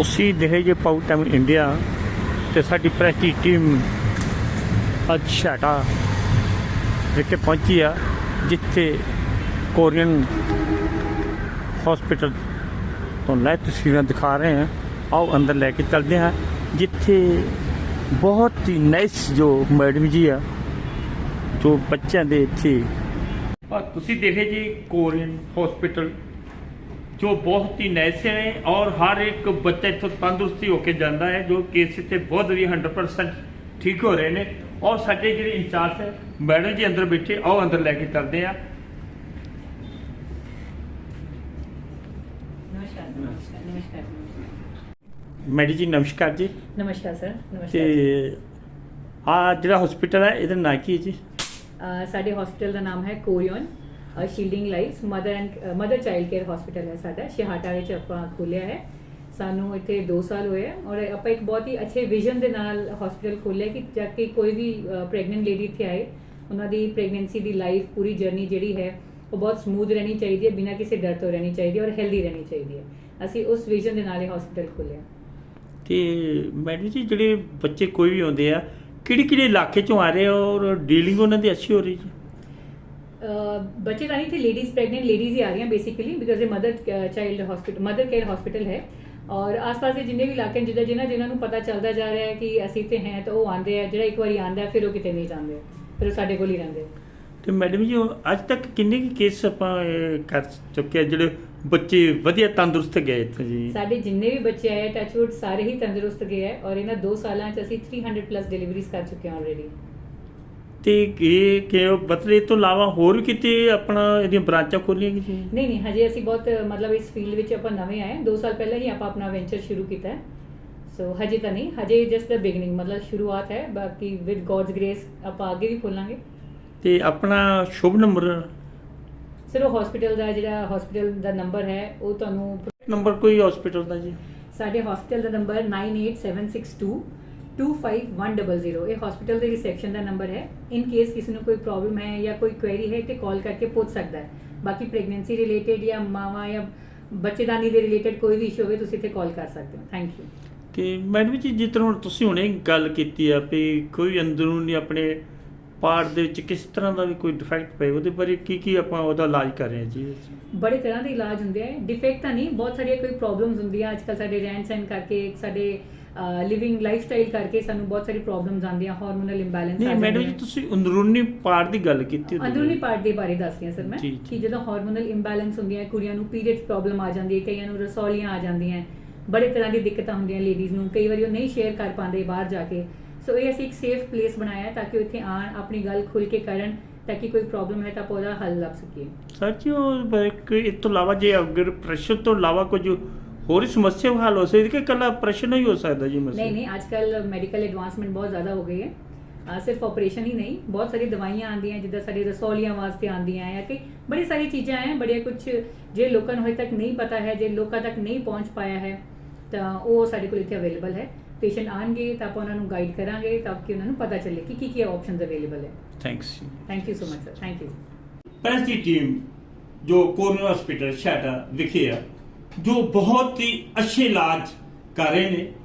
ਤੁਸੀਂ ਦੇਖੇ ਜੇ ਪਾਊ ਟਾਈਮ ਇੰਡੀਆ ਤੇ ਸਾਡੀ ਪ੍ਰੈਸ ਦੀ ਟੀਮ ਅੱਜ ਛਾਟਾ ਵਿਖੇ ਪਹੁੰਚੀ ਆ, ਜਿੱਥੇ ਕੋਰੀਅਨ ਹਸਪੀਟਲ ਤੋਂ ਲੈ ਤਸਵੀਰਾਂ ਦਿਖਾ ਰਹੇ ਹਾਂ। ਆਓ ਅੰਦਰ ਲੈ ਕੇ ਚੱਲਦੇ ਹਾਂ, ਜਿੱਥੇ ਬਹੁਤ ਹੀ ਨਾਈਸ ਜੋ ਮੈਡਮ ਜੀ ਆ ਜੋ ਬੱਚਿਆਂ ਦੇ ਇੱਥੇ ਤੁਸੀਂ ਦੇਖੇ ਜੀ ਕੋਰੀਅਨ ਹਸਪੀਟਲ ਜੋ ਬਹੁਤ ਹੀ ਨਾਈਸ ਹੈ ਔਰ ਹਰ ਇੱਕ ਬੱਚਾ ਇੱਥੋਂ ਤੰਦਰੁਸਤੀ ਹੋ ਕੇ ਜਾਂਦਾ ਹੈ। ਜੋ ਕੇਸ ਇੱਥੇ ਬਹੁਤ ਵਧੀਆ 100% ਠੀਕ ਹੋ ਰਹੇ ਨੇ। ਔਰ ਸਾਡੇ ਜਿਹੜੇ ਇੰਚਾਰਜ ਹੈ ਮੈਡਮ ਜੀ ਅੰਦਰ ਬੈਠੇ, ਆਓ ਅੰਦਰ ਲੈ ਕੇ ਚੱਲਦੇ ਆ। ਮੈਡਮ ਜੀ ਨਮਸਕਾਰ ਜੀ। ਨਮਸਕਾਰ ਸਰ। ਨਮਸਕਾਰ। ਤੇ ਆ ਜਿਹੜਾ ਹਸਪੀਟਲ ਹੈ ਇਹਦਾ ਨਾਂ ਕੀ ਹੈ ਜੀ? ਸਾਡੇ ਹਸਪੀਟਲ ਦਾ ਨਾਮ ਹੈ Korean shielding life mother child care hospital ਹੈ। ਸਾਡਾ ਛਿਹਾਟਾ ਵਿੱਚ ਆਪਾਂ ਖੋਲ੍ਹਿਆ ਹੈ। ਸਾਨੂੰ ਇੱਥੇ 2 ਸਾਲ ਹੋਏ ਆ ਔਰ ਆਪਾਂ ਇੱਕ ਬਹੁਤ ਹੀ ਅੱਛੇ ਵਿਜ਼ਨ ਦੇ ਨਾਲ ਹਸਪੀਟਲ ਖੋਲ੍ਹਿਆ ਕਿ ਜਾ ਕੇ ਕੋਈ ਵੀ ਪ੍ਰੈਗਨੈਂਟ ਲੇਡੀ ਇੱਥੇ ਆਏ, ਉਹਨਾਂ ਦੀ ਪ੍ਰੈਗਨੈਂਸੀ ਦੀ ਲਾਈਫ ਪੂਰੀ ਜਰਨੀ ਜਿਹੜੀ ਹੈ ਉਹ ਬਹੁਤ ਸਮੂਥ ਰਹਿਣੀ ਚਾਹੀਦੀ ਹੈ, ਬਿਨਾਂ ਕਿਸੇ ਡਰ ਤੋਂ ਰਹਿਣੀ ਚਾਹੀਦੀ ਹੈ ਔਰ ਹੈਲਦੀ ਰਹਿਣੀ ਚਾਹੀਦੀ ਹੈ। ਅਸੀਂ ਉਸ ਵਿਜ਼ਨ ਦੇ ਨਾਲ ਇਹ ਹਸਪੀਟਲ ਖੋਲ੍ਹਿਆ। ਤੇ ਮੈਡਮ ਜੀ ਜਿਹੜੇ ਬੱਚੇ ਕੋਈ ਵੀ ਆਉਂਦੇ ਆ ਕਿਹੜੇ ਇਲਾਕੇ ਚੋਂ ਆ ਰਹੇ ਔਰ ਡੀਲਿੰਗ ਉਹਨਾਂ ਦੀ ਅੱਛੀ ਹੋ ਰਹੀ ਜੀ? ਬੱਚੇ ਤਾਂ ਨਹੀਂ थे, लेडीज़ प्रेगनेंट लेडीज़ ही आ रही हैं बेसिकली, बिकॉज ये मदर केयर हॉस्पिटल है। और आस-पास ਦੇ ਜਿੰਨੇ ਵੀ ਇਲਾਕੇ ਜਿਨ੍ਹਾਂ ਨੂੰ ਪਤਾ ਚੱਲਦਾ ਜਾ ਰਿਹਾ ਹੈ ਕਿ ਅਸੀਂ ਇੱਥੇ हैं ਤਾਂ ਉਹ ਆਉਂਦੇ ਆ। ਜਿਹੜਾ ਇੱਕ ਵਾਰੀ ਆਉਂਦਾ ਫਿਰ ਉਹ ਕਿਤੇ ਨਹੀਂ ਜਾਂਦੇ, ਫਿਰ ਉਹ ਸਾਡੇ ਕੋਲ ਹੀ ਰਹਿੰਦੇ। ਤੇ ਮੈਡਮ ਜੀ ਅੱਜ ਤੱਕ ਕਿੰਨੇ ਕੇਸ ਆਪਾਂ ਕਰ ਚੁੱਕੇ ਆ ਜਿਹੜੇ ਬੱਚੇ ਵਧੀਆ ਤੰਦਰੁਸਤ ਗਏ ਇੱਥੇ ਜੀ? ਸਾਡੇ ਜਿੰਨੇ ਵੀ ਬੱਚੇ ਆਏ ਟੱਚਵੁੱਡ ਸਾਰੇ ਹੀ ਤੰਦਰੁਸਤ ਗਏ ਹੈ ਔਰ ਇਹਨਾਂ 2 ਸਾਲਾਂ 'ਚ ਅਸੀਂ 300+ ਡਿਲੀਵਰੀਜ਼ ਕਰ ਚੁੱਕੇ ਹਾਂ ਆਲਰੇਡੀ। ਤੇ ਇਹ ਕਿ ਬਤਲੇ ਤੋਂ ਇਲਾਵਾ ਹੋਰ ਵੀ ਕਿਤੇ ਆਪਣਾ ਇਹਦੀਆਂ ਬ੍ਰਾਂਚਾਂ ਖੋਲੀਆਂ ਜੀ? ਨਹੀਂ ਹਜੇ ਅਸੀਂ ਬਹੁਤ ਮਤਲਬ ਇਸ ਫੀਲਡ ਵਿੱਚ ਆਪਾਂ ਨਵੇਂ ਆਏ। 2 ਸਾਲ ਪਹਿਲਾਂ ਹੀ ਆਪਾਂ ਆਪਣਾ ਵੈਂਚਰ ਸ਼ੁਰੂ ਕੀਤਾ ਹੈ। ਸੋ ਹਜੇ ਤਾਂ ਨਹੀਂ, ਹਜੇ ਜਸਟ ਦ ਬਿਗਨਿੰਗ, ਮਤਲਬ ਸ਼ੁਰੂਆਤ ਹੈ। ਬਾਕੀ ਵਿਦ ਗੋਡਸ ਗ੍ਰੇਸ ਆਪਾਂ ਅੱਗੇ ਵੀ ਖੋਲਾਂਗੇ। ਤੇ ਆਪਣਾ ਸ਼ੁਭ ਨੰਬਰ ਸਰ ਉਹ ਹਸਪੀਟਲ ਦਾ ਨੰਬਰ ਹੈ, ਉਹ ਤੁਹਾਨੂੰ ਨੰਬਰ ਕੋਈ ਹਸਪੀਟਲ ਦਾ ਜੀ? ਸਾਡੇ ਹਸਪੀਟਲ ਦਾ ਨੰਬਰ 9876225100। ਇਹ ਹਸਪੀਟਲ ਦੇ ਰਿਸੈਪਸ਼ਨ ਦਾ ਨੰਬਰ ਹੈ। ਇਨ ਕੇਸ ਕਿਸੇ ਨੂੰ ਕੋਈ ਪ੍ਰੋਬਲਮ ਹੈ ਜਾਂ ਕੋਈ ਕੁਐਰੀ ਹੈ ਤੇ ਕਾਲ ਕਰਕੇ ਪੁੱਛ ਸਕਦਾ ਹੈ। ਬਾਕੀ ਪ੍ਰੈਗਨੈਂਸੀ ਰਿਲੇਟਡ ਜਾਂ ਮਾਵਾਂ ਜਾਂ ਬੱਚੇਦਾਨੀ ਦੇ ਰਿਲੇਟਡ ਕੋਈ ਵੀ ਇਸ਼ੂ ਹੋਵੇ ਤੁਸੀਂ ਇੱਥੇ ਕਾਲ ਕਰ ਸਕਦੇ ਹੋ। Thank you. ਤੇ ਮੈਡਮ ਜੀ ਜਿਸ ਤਰ੍ਹਾਂ ਹੁਣ ਤੁਸੀਂ ਹੁਣੇ ਗੱਲ ਕੀਤੀ ਆ ਵੀ ਕੋਈ ਅੰਦਰੂਨੀ ਆਪਣੇ ਪਾਰਟ ਦੇ ਵਿੱਚ ਕਿਸ ਤਰ੍ਹਾਂ ਦਾ ਵੀ ਕੋਈ ਡਿਫੈਕਟ ਪਏ, ਉਹਦੇ ਬਾਰੇ ਕੀ ਆਪਾਂ ਉਹਦਾ ਇਲਾਜ ਕਰ ਰਹੇ ਹਾਂ ਜੀ? ਬੜੇ ਤਰ੍ਹਾਂ ਦੇ ਇਲਾਜ ਹੁੰਦੇ ਆ। ਡਿਫੈਕਟ ਤਾਂ ਨਹੀਂ, ਬਹੁਤ ਸਾਰੀਆਂ ਕੋਈ ਪ੍ਰੋਬਲਮਸ ਹੁੰਦੀਆਂ ਅੱਜ ਕੱਲ੍ਹ ਸਾਡੇ ਰਹਿਣ ਸਹਿਣ ਕਰਕੇ, ਸਾਡੇ ਲਿਵਿੰਗ ਲਾਈਫ ਸਟਾਈਲ ਕਰਕੇ ਸਾਨੂੰ ਬਹੁਤ ਸਾਰੀ ਪ੍ਰੋਬਲਮਸ ਆਉਂਦੀਆਂ, ਹਾਰਮੋਨਲ ਇੰਬੈਲੈਂਸ। ਨਹੀਂ ਮੈਡਮ ਜੀ ਤੁਸੀਂ ਅੰਦਰੂਨੀ ਪਾਰਟ ਦੀ ਗੱਲ ਕੀਤੀ। ਅੰਦਰੂਨੀ ਪਾਰਟ ਦੇ ਬਾਰੇ ਦੱਸ ਰਹੀ ਹਾਂ ਸਰ ਮੈਂ ਕਿ ਜਦੋਂ ਹਾਰਮੋਨਲ ਇੰਬੈਲੈਂਸ ਹੁੰਦੀਆਂ, ਕੁੜੀਆਂ ਨੂੰ ਪੀਰੀਅਡਸ ਪ੍ਰੋਬਲਮ ਆ ਜਾਂਦੀ ਹੈ, ਕਈਆਂ ਨੂੰ ਰਸੌਲੀਆਂ ਆ ਜਾਂਦੀਆਂ, ਬੜੇ ਤਰ੍ਹਾਂ ਦੀ ਦਿੱਕਤਾਂ ਹੁੰਦੀਆਂ ਲੇਡੀਜ਼ ਨੂੰ। ਕਈ ਵਾਰੀ ਉਹ ਨਹੀਂ ਸ਼ੇਅਰ ਕਰ ਪਾਉਂਦੇ ਬਾਹਰ ਜਾ ਕੇ। ਸੋ ਇਹ ਅਸੀਂ ਇੱਕ ਸੇਫ ਪਲੇਸ ਬਣਾਇਆ ਹੈ ਤਾਂ ਕਿ ਇੱਥੇ ਆਉਣ, ਆਪਣੀ ਗੱਲ ਖੁੱਲ੍ਹ ਕੇ ਕਰਨ, ਤਾਂ ਕਿ ਕੋਈ ਪ੍ਰੋਬਲਮ ਹੈ ਤਾਂ ਆਪਾਂ ਉਹਦਾ ਹੱਲ ਲੱਭ ਸਕੀਏ। ਸਰ ਜੀ ਉਹ ਇਸ ਤੋਂ ਇਲਾਵਾ ਜੇ ਅਗਰ ਪ੍ਰੈਸ਼ਰ ਤੋਂ ਇਲਾਵਾ ਕੁਝ ਹੋਰ ਸਮੱਸਿਆ ਹੱਲ ਹੋ ਸਕਦੀ ਕਿ ਇਕੱਲਾ ਪ੍ਰੈਸ਼ਰ ਹੀ ਹੋ ਸਕਦਾ ਜੀ? ਨਹੀਂ ਅੱਜ ਕੱਲ੍ਹ ਮੈਡੀਕਲ ਐਡਵਾਂਸਮੈਂਟ ਬਹੁਤ ਜ਼ਿਆਦਾ ਹੋ ਗਈ ਹੈ। ਸਿਰਫ ਆਪਰੇਸ਼ਨ ਹੀ ਨਹੀਂ, ਬਹੁਤ ਸਾਰੀ ਦਵਾਈਆਂ ਆਉਂਦੀਆਂ ਜਿੱਦਾਂ ਸਾਡੇ ਰਸੌਲੀਆਂ ਵਾਸਤੇ ਆਉਂਦੀਆਂ ਹੈ ਕਿ ਬੜੀ ਸਾਰੀ ਚੀਜ਼ਾਂ ਹੈ। ਬੜੀਆਂ ਕੁਝ ਜੇ ਲੋਕਾਂ ਨੂੰ ਹਜੇ ਤੱਕ ਨਹੀਂ ਪਤਾ ਹੈ, ਜੇ ਲੋਕਾਂ ਤੱਕ ਨਹੀਂ ਪਹੁੰਚ ਪਾਇਆ ਹੈ ਤਾਂ ਉਹ ਸਾਡੇ ਕੋਲ ਇੱਥੇ ਅਵੇਲੇਬਲ ਹੈ। ਪੇਸ਼ੈਂਟ ਆਉਣਗੇ ਤਾਂ ਆਪਾਂ ਉਹਨਾਂ ਨੂੰ ਗਾਈਡ ਕਰਾਂਗੇ ਤਾਂ ਕਿ ਉਹਨਾਂ ਨੂੰ ਪਤਾ ਚੱਲੇ ਕਿ ਕੀ ਆਪਸ਼ਨਸ ਅਵੇਲੇਬਲ ਹੈ। Thank you so much sir. Thank you. Press ਦੀ ਟੀਮ ਜੋ ਕੋਰੀਅਨ ਹਸਪੀਟਲ ਛਾਟਾ ਵਿਖੇ ਆ, ਜੋ ਬਹੁਤ ਹੀ ਅੱਛੇ ਇਲਾਜ ਕਰ ਰਹੇ ਨੇ